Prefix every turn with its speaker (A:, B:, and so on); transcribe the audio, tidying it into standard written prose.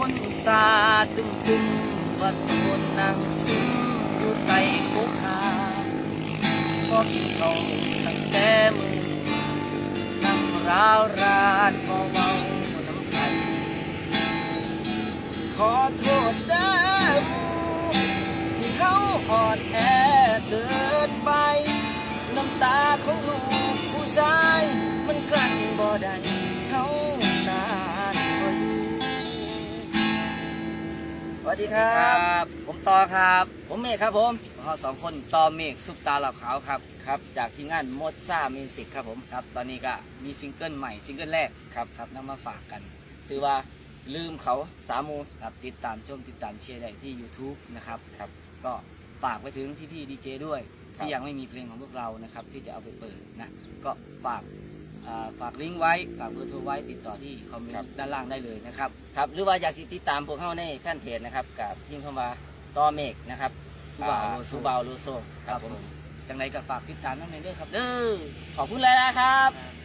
A: คนสาตึงตึงวัดโคนนางซึ้งอยู่ใต้โคคาพอกินเขาตั้งแต่มือนั่งร้าวรานพอเมาน้ำกันขอโทษเด้อที่เขาอ่อนแอเกินไปน้ำตาของลูกผู้ชายมันกลั้นบ่ได้เขานานบ่อยู่สวัสดีครับผมต่อครับผมเมฆครับผมเราสองคนต่อเมฆซุปตาเหล่าขาวครับครับจากทีมงานมดซ่ามิวสิกครับผมครับตอนนี้ก็มีซิงเกิลใหม่ซิงเกิลแรกครับนำมาฝากกันชื่อว่าลืมเขาสามูครับติดตามชมติดตามเชียร์ได้ที่ YouTube นะครับก็ฝากไปถึงพี่ดีเจด้วยที่ยังไม่มีเพลงของพวกเรานะครับที่จะเอาไปเปิดนะก็ฝากลิงก์ไว้ฝากเบอร์โทรไว้ติดต่อที่คอมเมนต์ด้านล่างได้เลยนะครับหรือว่าอยากติดตามพวกเขาในแฟนเพจนะครับกับพิมพ์เข้ามาต่อเมฆนะครับซูบาวโลโซครับผมจังไรก็ฝากติดตามน้องเนเด้อครับขอบคุณเลยนะครับ